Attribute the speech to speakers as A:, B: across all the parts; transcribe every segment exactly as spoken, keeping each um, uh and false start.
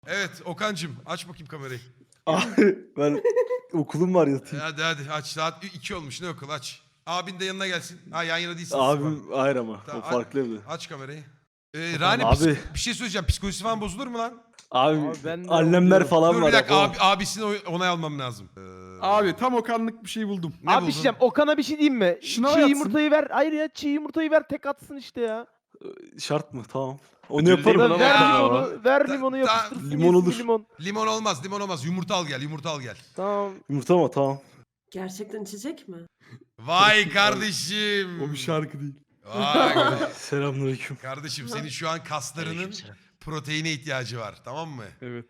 A: Evet Okan'cım aç bakayım kamerayı.
B: Abi ben okulum var yatayım.
A: Hadi hadi aç, saat iki olmuş, ne okul, aç. Abin de yanına gelsin. Ha, yan yana değilsiniz.
B: Abim ayrı ama.
A: Tamam,
B: O farklı evde.
A: Aç kamerayı. Ee, Rani
B: Abi.
A: psik- bir şey söyleyeceğim. Psikolojisi falan bozulur mu lan?
B: Abi,
C: Abi ben de
B: annemler
C: oluyorum.
B: falan
A: Dur
B: var.
A: bir dakika,
B: yapamam.
A: abi, abisini oy- onay almam lazım. Ee,
D: Abi tam Okanlık bir şey buldum.
A: ne
C: Abi bir
A: buldun?
C: şey diyeceğim. Okan'a bir şey diyeyim mi?
D: Şuna
C: çiğ
D: yatsın.
C: yumurtayı ver. Hayır ya çiğ yumurtayı ver tek atsın işte ya.
B: Şart mı? Tamam. Onu
D: Ödül
B: yaparım.
D: değil
C: Ya
D: mi?
C: ver
D: Tamam.
C: limonu, ver
A: Ta-
C: limonu
A: ta-
C: yapıştırsın.
B: limon
C: yesin
B: olur.
C: bir Limon.
A: Limon olmaz, limon olmaz. Yumurta al gel, yumurta al gel.
C: Tamam.
B: Yumurta mı? Tamam.
E: Gerçekten içecek mi?
A: Vay kardeşim.
D: O bir şarkı değil.
A: Vay
B: Selamünaleyküm.
A: kardeşim, senin şu an kaslarının
F: Aleykümselam.
A: proteine ihtiyacı var, tamam mı?
D: Evet.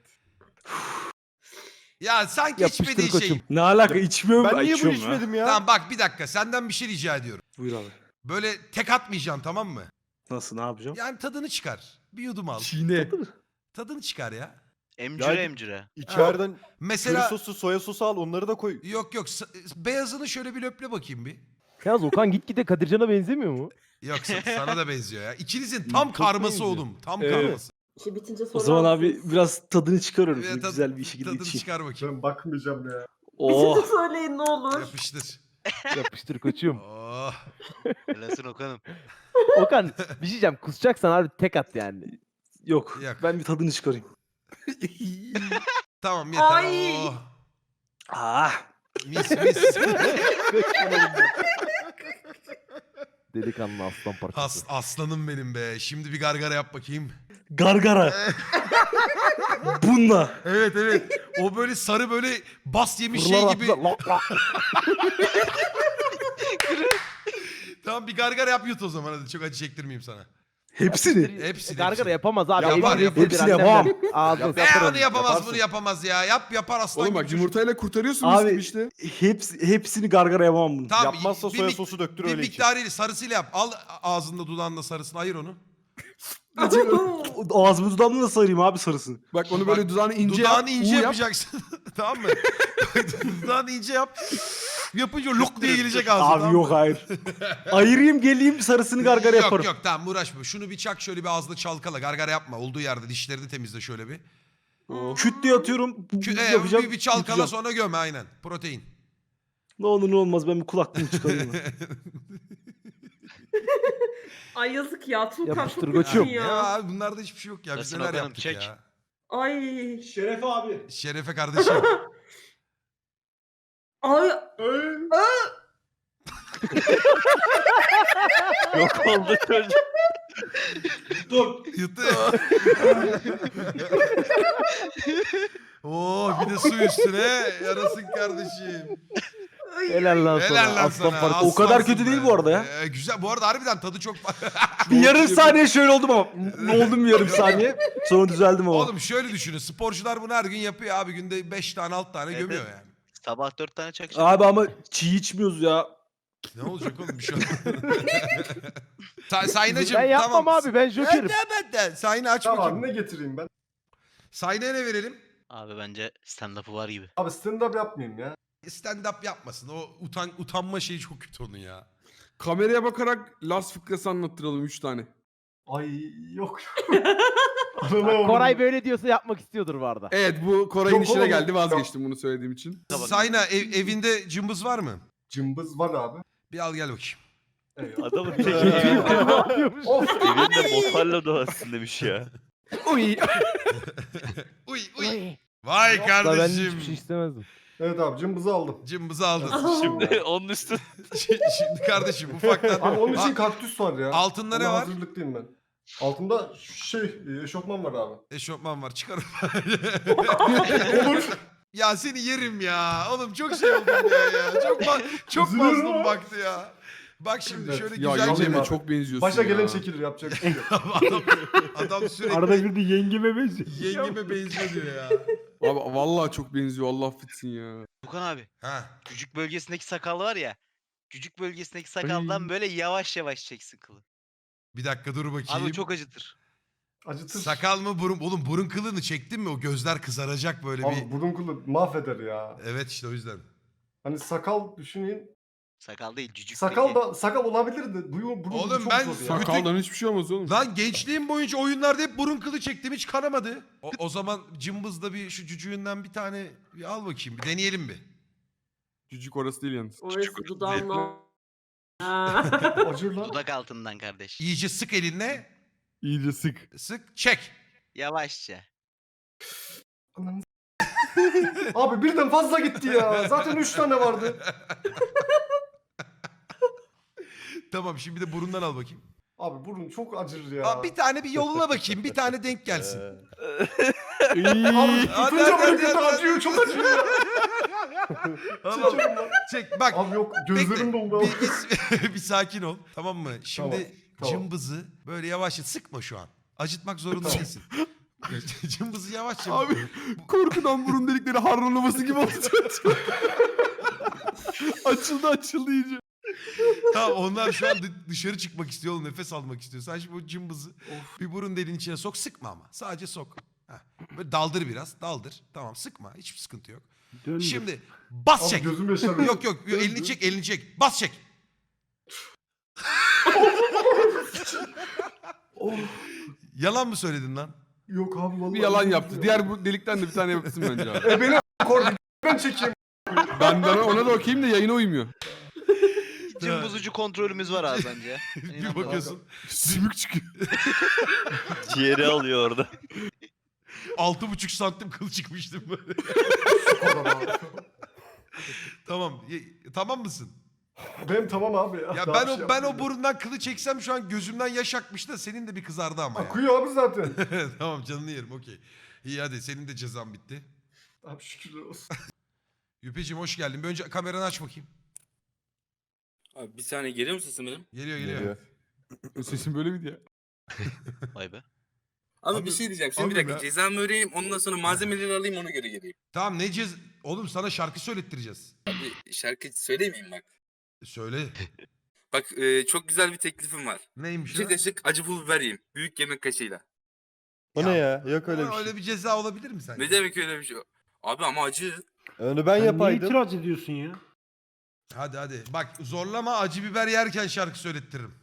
A: Ya sanki
C: Yapıştır
A: içmediğin şey.
C: koçum.
B: Ne alaka? İçmiyorum.
C: Ben niye bunu
B: içiyorum ya.
C: içmedim ya?
A: Tamam bak bir dakika, senden bir şey rica ediyorum.
B: Buyur abi.
A: Böyle tek atmayacaksın, tamam mı?
B: Nasıl? Ne yapacağım?
A: Yani tadını çıkar. Bir yudum al.
D: Çiğne.
A: Tadını çıkar ya.
F: Emcüre
G: Yani-
F: emcüre.
G: İçeriden
A: Mesela
G: köri sosu, soya sosu al onları da koy.
A: yok yok sa- beyazını şöyle bir löple bakayım bir.
C: Yalnız Okan gitgide Kadircan'a benzemiyor mu?
A: Yok sa- sana da benziyor ya. İkinizin tam
C: Çok
A: karması
C: benziyor.
A: oğlum. Tam
D: Evet.
A: karması.
E: İşi bitince
B: O
E: sorar
B: zaman abi
E: mısınız?
B: biraz tadını çıkarıyorum.
A: Evet,
B: Şöyle
A: tad-
B: güzel bir şekilde
A: Tadını
B: içeyim.
A: çıkar bakayım.
G: Ben bakmayacağım ya.
B: Oh.
E: Bitince söyleyin ne olur.
A: Yapıştır.
C: Yapıştır koçum.
A: Oh.
F: Helalsin Okan'ım.
C: Okan bir şey diyeceğim. Kusacaksan abi tek at yani.
B: Yok.
A: Yok.
B: Ben bir tadını çıkarayım.
A: Tamam yeter.
E: Ay.
A: Oh.
B: Ah.
A: Mis mis.
C: Delikanlı aslan parçası.
A: As, aslanım benim be. Şimdi bir gargara yap bakayım.
B: Gargara. Bununla.
A: Evet evet. O böyle sarı böyle bas yemiş şey
C: Fırlar
A: gibi.
C: atlar, lak lak.
A: Tamam bir gargara yap, yut o zaman hadi. Çok acı çektirmeyeyim sana.
B: Hepsini.
A: Hepsini,
C: Gargara
A: hepsini.
C: yapamaz abi.
A: Yapar,
C: Elini
A: yapar.
C: yedir
B: Hepsini
C: annemden.
B: yapamam.
C: Ağzını
G: Yap-
A: Ne
C: sapar
A: onu
C: onu.
A: yapamaz,
G: Yaparsın.
A: bunu yapamaz ya. Yap yapar aslan
D: Oğlum
A: gibi
D: bak
A: çocuk.
D: yumurtayla kurtarıyorsun
B: Abi
D: mis işte.
B: hepsi, hepsini gargara yapamam bunu.
A: Tamam,
G: Yapmazsa
A: bir
G: soya
A: mik-
G: sosu döktür
A: Bir
G: öyle iç.
A: miktarıyla sarısıyla yap. Al ağzında dudağında sarısını, ayır onu.
B: Ağzımı dudağımla nasıl sarayım abi sarısını?
D: Bak onu böyle
A: Bak,
D: dudağını ince
A: Dudağını
D: yap.
A: ince
D: U yap.
A: yapacaksın. Tamam mı? Dudağını ince yap. Yapınca lok diye gelecek ağzına.
B: Abi
A: tamam
B: yok
A: mı?
B: hayır. Ayırayım geleyim sarısını gargara
A: yok,
B: yaparım.
A: Yok yok tamam uğraşma. Şunu bir çak, şöyle bir ağzında çalkala. Gargara yapma. Olduğu yerde dişlerini temizle şöyle bir.
B: Küt diye atıyorum.
A: Kü- e,
B: yapacağım.
A: bir, bir çalkala
B: yutacağım.
A: sonra göm aynen. Protein.
B: Ne olur ne olmaz ben bir kulaklığımı çıkarayım.
E: Ay yazık ya. Tuğkan
C: Yapıştır
E: çok
C: koçum.
E: kötü
A: ya
E: ya.
A: abi bunlarda hiçbir şey yok ya. Biz
F: Nasılsın
A: neler
F: bakalım,
A: yaptık
F: çek.
A: ya.
E: Ay.
B: Şeref abi.
A: Şerefe kardeşim.
E: Ay.
F: Yok oldu çocuk.
B: Dur.
A: Yuttu. Oo bir de su üstüne. Yarasın kardeşim.
E: Ay.
C: Helal lan sana.
A: Helal lan
C: aslan
A: sana.
C: parçası.
B: O kadar
A: aslansın
B: kötü değil
A: be.
B: bu arada ya.
A: Ee, güzel. Bu arada harbiden tadı çok...
B: Bir yarım saniye şöyle oldum ama. Ne oldum bir yarım saniye. Sonra düzeldim ama.
A: Oğlum şöyle düşünün. Sporcular bunu her gün yapıyor abi. Günde beş tane altı tane
F: Evet,
A: gömüyor
F: evet.
A: yani.
F: Sabah dört tane çakacağım.
B: Abi ama çiğ içmiyoruz ya.
A: Ne olacak oğlum bir şey olmaz. Sa Saynacığım
C: Ben yapmam
A: tamam.
C: abi ben jokerim.
A: Evet evet de. Sayna aç
G: Tamam
A: bakayım.
G: abi ne getireyim ben?
A: Sayna'ya ne verelim?
F: Abi bence stand-up'ı var gibi.
G: Abi stand up yapmayayım ya.
A: Stand up yapmasın. O utan utanma şeyi çok kötü onun ya.
D: Kameraya bakarak Lars fıkrası anlattıralım üç tane.
G: Ay yok.
C: Bak, Koray böyle diyorsa yapmak istiyordur bu arada.
D: Evet bu Koray'ın
G: Yok
D: işine
G: oğlum,
D: geldi
G: yok.
D: vazgeçtim bunu söylediğim için.
F: Tamam.
A: Sayna ev- evinde cımbız var mı?
G: Cımbız var abi.
A: Bir al gel bakayım.
G: Eyvallah.
F: Adamın
C: Ne yapıyormuş?
G: Of.
F: evinde motorla doğasın demiş ya.
D: Uy.
A: Uy uy. Vay
C: Da ben
A: kardeşim.
C: hiçbir şey istemezdim.
G: Evet abi cımbızı aldım.
A: Cımbızı aldın.
F: Şimdi onun üstü.
A: Şimdi kardeşim ufaktan.
G: Abi onun için
A: A-
G: kaktüs var ya.
A: Altında ne
G: Ona
A: var?
G: hazırlıklıyım ben. Altında şey eşofman var abi.
A: Eşofman var, çıkarım.
G: Olur.
A: Ya seni yerim ya. Oğlum çok şey oldum ya ya. Çok ma- çok
G: Üzülüyorum
A: mazlum
G: ama.
A: baktı ya. Bak şimdi
G: Evet.
A: şöyle
D: Ya
A: güzelce
D: yengeme
G: abi.
D: çok benziyorsun
G: Başa
D: ya.
G: gelen çekilir yapacak bir şey yok.
A: adam, adam sürekli
C: Arada bir de yengeme benziyor.
A: yengeme benziyor diyor ya.
D: Abi vallahi çok benziyor Allah affetsin ya.
F: Okan abi.
A: Ha.
F: Küçük bölgesindeki sakal var ya. Küçük bölgesindeki sakaldan böyle yavaş yavaş çeksin kılı.
A: Bir dakika dur bakayım.
F: Abi o çok acıtır.
G: Acıtır.
A: Sakal mı burun? Oğlum burun kılını çektin mi? O gözler kızaracak böyle
G: Abi
A: bir.
G: burun kılı mahveder ya.
A: Evet işte o yüzden.
G: Hani sakal düşünün.
F: Sakal değil cücük.
G: Sakal
F: peki.
G: da sakal olabilirdi. Bu, bu, bu
A: Oğlum
G: çok
A: ben
G: zor ya.
D: Sakaldan hiçbir şey olmaz oğlum.
A: Lan gençliğim boyunca oyunlarda hep burun kılı çektim hiç kanamadı. O, o zaman cımbızda bir şu cücüğünden bir tane bir al bakayım bir deneyelim bir.
D: Cücük orası değil yalnız.
E: Orası dudağımla. Ha.
G: Acır lan.
F: Dudak altından kardeş.
A: İyice sık elinle
D: İyice sık.
A: sık çek.
F: Yavaşça.
G: Ananı s- Abi birden fazla gitti ya. Zaten üç tane vardı.
A: Tamam şimdi de burundan al bakayım.
G: Abi burun çok acır ya.
A: Aa, bir tane bir yoluna bakayım bir tane denk gelsin.
G: Abi
A: Hadi,
G: tutunca
A: hadi,
G: böyle
A: hadi,
G: kötü
A: hadi.
G: acıyor. Çok acıyor ya.
A: Tamam.
G: Çekiyorum lan.
A: Çek bak.
G: Abi yok
A: Bekle.
G: gözlerim doldu. abi.
A: Bir, bir, bir sakin ol. Tamam mı? Şimdi
G: Tamam, tamam.
A: cımbızı böyle yavaşça sıkma şu an. Acıtmak zorunda değilsin. Cımbızı yavaşça.
D: Abi korkudan burun delikleri harronlaması gibi oldu. açıldı açıldı iyice.
A: Tamam onlar şu an dı- dışarı çıkmak istiyor oğlum. Nefes almak istiyor. Sen şimdi o cımbızı bir burun deliğinin içine sok. Sıkma ama. Sadece sok. Heh. Böyle daldır biraz. Daldır. Tamam sıkma. Hiçbir sıkıntı yok. Şimdi bas
G: Abi
A: çek.
G: gözüm yaşarıyor.
A: Yok yok elini çek elini çek. Bas çek. Yalan mı söyledin lan?
G: Yok abi vallahi.
D: Bir yalan
G: çok
D: yaptı.
G: acıyor.
D: Diğer bu delikten de bir tane yapsın bence abi.
G: E beni kordi. Ben çekeyim.
D: Ben, ben ona da okuyayım da yayına uymuyor.
F: Cımbız kontrolümüz var abi bence.
A: Bir bakıyorsun.
D: Sümük çıkıyor.
H: Ciğeri alıyor orada.
A: Altı buçuk santim kıl çıkmıştım böyle. Tamam. ye- Tamam mısın?
G: Benim tamam abi.
A: Ya
G: Daha
A: ben
G: bir
A: o
G: şey
A: ben o
G: yapmayayım.
A: burundan kılı çeksem şu an gözümden yaş akmış da senin de bir kızardı ama ya.
G: Akıyor abi zaten.
A: Tamam canını yerim okey. İyi hadi senin de cezan bitti.
G: Abi şükürler olsun.
A: Yüpeciğim hoş geldin. Bir önce kameranı aç bakayım.
I: Abi bir saniye geliyor mu sesim benim?
A: Geliyor geliyor.
D: Sesin böyle miydi ya?
F: Vay be.
I: Abi,
A: Abi-
I: bir şey diyeceğim. Şimdi
A: abi
I: bir dakika
A: ben-
I: cezamı öğreneyim ondan sonra malzemeleri alayım ona göre geleyim.
A: Tamam ne cez... Oğlum sana şarkı söylettireceğiz.
I: Abi şarkı söylemeyeyim bak.
A: Söyle.
I: Bak e, çok güzel bir teklifim var.
A: Neymiş
I: İki
A: o?
I: kaşık acı pul biber yiyeyim. Büyük yemek kaşığıyla.
H: O ne ya? Yok öyle bir
A: Aa,
H: şey.
A: Öyle bir ceza olabilir mi sence?
I: Ne demek öyle bir şey? Abi ama acı.
H: Onu ben yapaydım.
B: itiraz ediyorsun ya?
A: Hadi hadi. Bak zorlama acı biber yerken şarkı söylettiririm.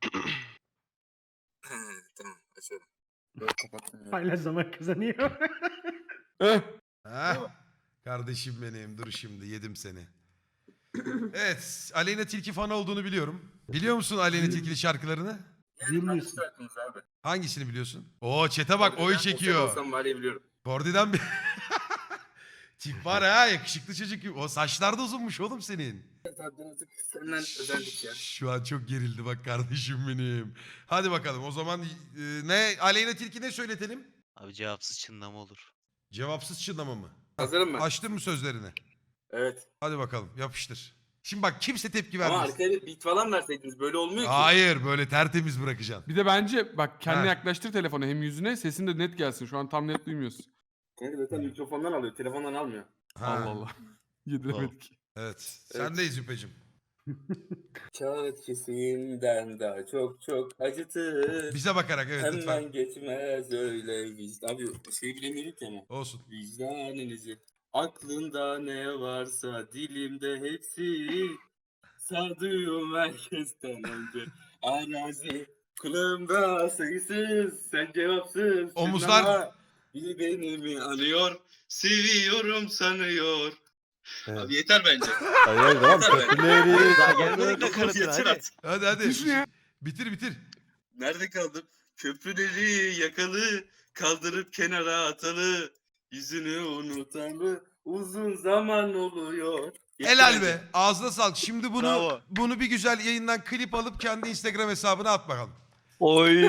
I: Tamam açıyorum. Böyle kapattım ya.
B: Hala zaman kazanıyor.
D: Eh.
A: Ha? Kardeşim benim dur şimdi yedim seni. Evet Aleyna Tilki fanı olduğunu biliyorum. Biliyor musun Aleyna Tilki'li şarkılarını?
I: Yani hangisi şarkınız abi?
A: Hangisini biliyorsun? Oo çete bak oy
I: Ben
A: çekiyor.
I: olsam var ya biliyorum.
A: Kordi'den bir... Tip var ha yakışıklı çocuk gibi. O saçlar da uzunmuş oğlum senin.
I: Zaten artık senden özendik ya.
A: Şu an çok gerildi bak kardeşim benim. Hadi bakalım o zaman e, ne Aleyna Tilki ne söyletelim?
F: Abi cevapsız çınlama olur.
A: Cevapsız çınlama mı?
I: Hazırım ben.
A: Açtın mı sözlerini?
I: Evet.
A: Hadi bakalım yapıştır. Şimdi bak kimse tepki
I: Ama
A: vermez.
I: arkaya bir beat falan verseydiniz böyle olmuyor ki.
A: Hayır böyle tertemiz bırakacaksın.
D: Bir de bence bak kendine
A: Ha.
D: yaklaştır telefonu hem yüzüne sesin de net gelsin. Şu an tam net duymuyorsun.
I: Kanka zaten mikrofondan alıyor, telefondan almıyor.
A: Ha,
D: Allah Allah. Yediremedik.
A: Evet. Sendeyiz Yüpeciğim.
I: Kağıt kesimden daha çok çok acıtır.
A: Bize bakarak evet
I: Hemen
A: lütfen.
I: geçmez öyle vicdan. Abi şey bilemiyorum ki ama.
A: Olsun.
I: Vicdanınızı. Aklında ne varsa dilimde hepsi. Sadığım herkesten önce. Arazi kulağımda sayısız. Sen cevapsız.
A: Omuzlar-
I: Ama biri beni mi anıyor? Seviyorum sanıyor.
H: Evet.
I: Abi yeter bence.
H: Hayır tamam köprüleri.
F: Daha gelmedik de kanıtına
I: Yeter
F: hadi.
I: artık.
A: Hadi hadi.
D: Düşün ya.
A: Bitir bitir.
I: Nerede kaldım? Köprüleri yakalı, kaldırıp kenara atalı, yüzünü unutalı, uzun zaman oluyor. Yeter
A: Helal
I: bence.
A: be. Ağzına sağlık. Şimdi bunu
F: Bravo.
A: bunu bir güzel yayından klip alıp kendi Instagram hesabına at bakalım.
H: Oy.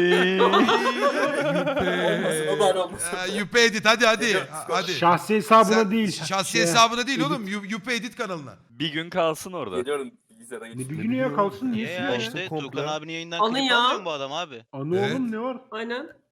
I: Olmasın o bari olmasın.
A: Ee, Yüpe Edit hadi hadi. Ha- hadi.
B: Şahsi hesabına
A: Sen-
B: değil.
A: Şahsi
B: Şey,
A: hesabına değil
B: edit.
A: oğlum. Yu- Yüpe Edit kanalına.
H: Bir gün kalsın orada.
I: Geliyorum bilgisayara
B: Ne
I: geçeyim.
B: bir günü ya kalsın
F: E
B: niye
F: ya
B: ya?
F: işte
H: komple.
F: Tuğkan abinin yayından
E: Anı
F: klip
E: ya.
F: almıyor mu bu adam abi?
B: Anı
A: Evet.
B: oğlum ne var?
E: Aynen.